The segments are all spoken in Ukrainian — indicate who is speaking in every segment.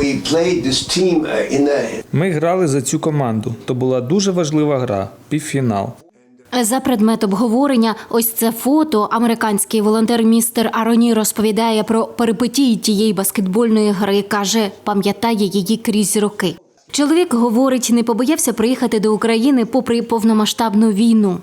Speaker 1: Ми грали за цю команду. То була дуже важлива гра – півфінал.
Speaker 2: За предмет обговорення ось це фото. Американський волонтер містер Ароні розповідає про перипетії тієї баскетбольної гри. Каже, пам'ятає її крізь роки. Чоловік, говорить, не побоявся приїхати до України попри повномасштабну війну.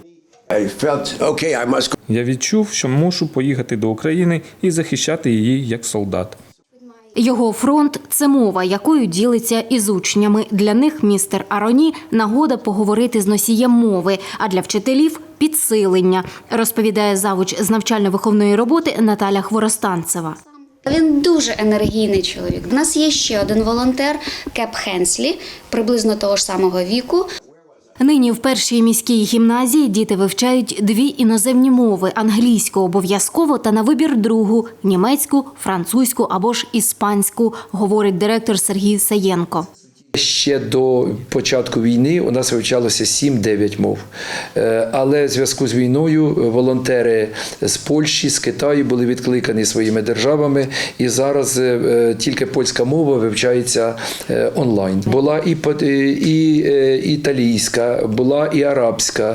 Speaker 1: Я відчув, що мушу поїхати до України і захищати її як солдат.
Speaker 2: Його фронт – це мова, якою ділиться із учнями. Для них містер Ароні – нагода поговорити з носієм мови, а для вчителів – підсилення, розповідає завуч з навчально-виховної роботи Наталя Хворостанцева.
Speaker 3: Він дуже енергійний чоловік. У нас є ще один волонтер Кеп Хенслі, приблизно того ж самого віку.
Speaker 2: Нині в першій міській гімназії діти вивчають 2 іноземні мови – англійську обов'язково та на вибір другу – німецьку, французьку або ж іспанську, говорить директор Сергій Саєнко.
Speaker 4: Ще до початку війни у нас вивчалося 7-9 мов. Але в зв'язку з війною волонтери з Польщі, з Китаю були відкликані своїми державами. І зараз тільки польська мова вивчається онлайн. Була і італійська, була і арабська.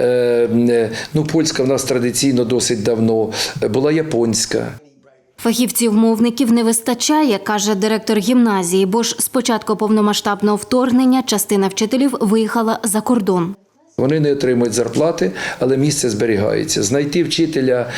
Speaker 4: Польська в нас традиційно досить давно. Була японська.
Speaker 2: Фахівців-мовників не вистачає, каже директор гімназії, бо ж з початку повномасштабного вторгнення частина вчителів виїхала за кордон.
Speaker 4: Вони не отримують зарплати, але місце зберігається. Знайти вчителя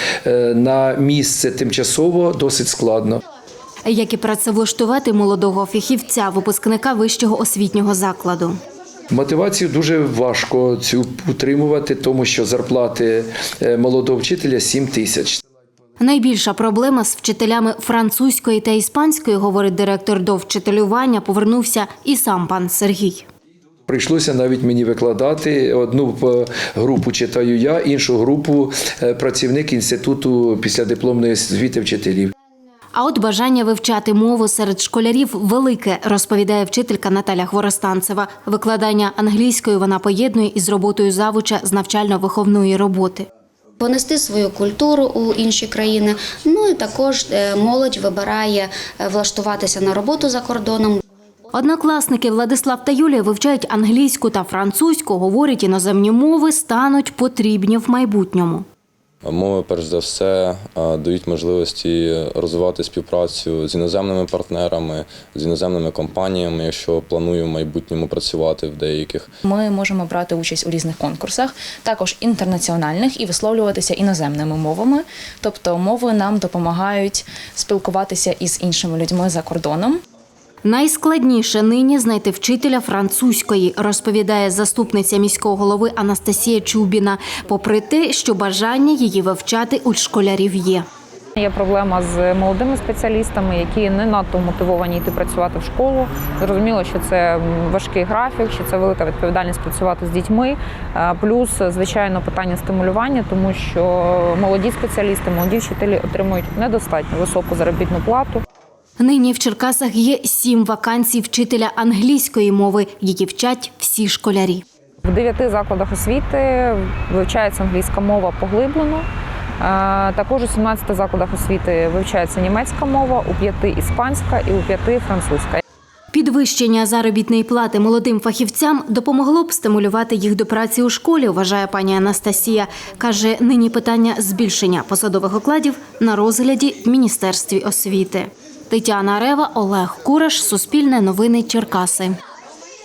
Speaker 4: на місце тимчасово досить складно.
Speaker 2: Як і працевлаштувати молодого фахівця, випускника вищого освітнього закладу.
Speaker 4: Мотивацію дуже важко цю утримувати, тому що зарплати молодого вчителя 7 тисяч.
Speaker 2: Найбільша проблема з вчителями французької та іспанської, говорить директор, до вчителювання повернувся і сам пан Сергій.
Speaker 4: Прийшлося навіть мені викладати. Одну групу читаю я, іншу групу працівник Інституту післядипломної освіти вчителів.
Speaker 2: А от бажання вивчати мову серед школярів велике, розповідає вчителька Наталя Хворостанцева. Викладання англійської вона поєднує із роботою завуча з навчально-виховної роботи.
Speaker 3: Понести свою культуру у інші країни, і також молодь вибирає влаштуватися на роботу за кордоном.
Speaker 2: Однокласники Владислав та Юлія вивчають англійську та французьку, говорять, іноземні мови стануть потрібні в майбутньому.
Speaker 5: Мови, перш за все, дають можливості розвивати співпрацю з іноземними партнерами, з іноземними компаніями, якщо планую в майбутньому працювати в деяких.
Speaker 6: Ми можемо брати участь у різних конкурсах, також інтернаціональних, і висловлюватися іноземними мовами. Тобто мови нам допомагають спілкуватися із іншими людьми за кордоном.
Speaker 2: Найскладніше нині знайти вчителя французької, розповідає заступниця міського голови Анастасія Чубіна, попри те, що бажання її вивчати у школярів є.
Speaker 7: Є проблема з молодими спеціалістами, які не надто мотивовані йти працювати в школу. Зрозуміло, що це важкий графік, що це велика відповідальність працювати з дітьми. Плюс, звичайно, питання стимулювання, тому що молоді спеціалісти, молоді вчителі отримують недостатньо високу заробітну плату.
Speaker 2: Нині в Черкасах є 7 вакансій вчителя англійської мови, які вчать всі школярі.
Speaker 7: В 9 закладах освіти вивчається англійська мова поглиблено. Також у 17 закладах освіти вивчається німецька мова, у 5 – іспанська і у 5 – французька.
Speaker 2: Підвищення заробітної плати молодим фахівцям допомогло б стимулювати їх до праці у школі, вважає пані Анастасія. Каже, нині питання збільшення посадових окладів на розгляді в Міністерстві освіти. Тетяна Рева, Олег Кураш, Суспільне новини, Черкаси.